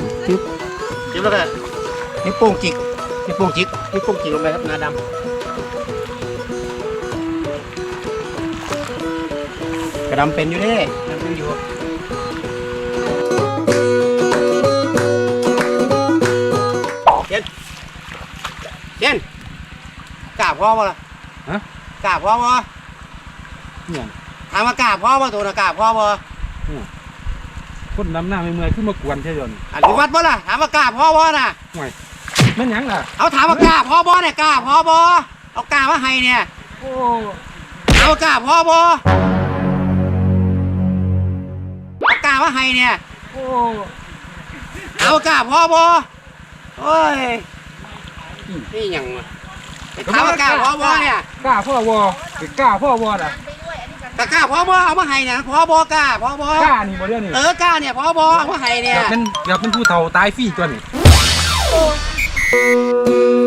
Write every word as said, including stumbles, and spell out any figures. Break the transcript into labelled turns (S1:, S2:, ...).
S1: จิ๊บจิ๊บแล้วก็นิ้วโป้งจิกนิ้วโป้งจิกนิ้วโป้งจิกลงไปครับงาดำกระดำเป็นอยู่ดิดำเป็นอยู่เจนเจนกราบพ่อป่ะล่ะฮะกราบพ่อป่ะเนี่ยถามว่ากราบพ่อป่ะตัวน่ะกราบพ่อป่ะ
S2: คนนำหน้าไม่เมื่อยขึ้นมากวนใช่ยน
S1: อันนี้วัดป่ะล่ะถามว่ากราบพ่อป่ะน่ะ
S2: ห่วยแม่นยังล่ะ
S1: เอาถามว่ากราบพ่อป่ะเนี่ยกราบพ่อป่ะเอากราบว่าให้เนี่ย
S2: โอ้
S1: เอากราบพ่อป่ะเอากราบว่าให้เนี่ย
S2: โอ้
S1: เอากราบพ่อป่ะโอ้ยนี่ยังถามว่ากราบพ่อป่ะเนี่ย
S2: กล้าพ่อวอกล้าพ่อวอน่ะ
S1: กล้าพ่อบอเอามาให้เนี่ยพ่อบอกล้าพ่อบอก
S2: ล้านี่บ่เรื่องนี่
S1: เออกล้าเนี่ยพ่อบอเอามาให้เนี่ย
S2: อยากเป็นอยากเป็นผู้เฒ่าตายฟรีตัวนี้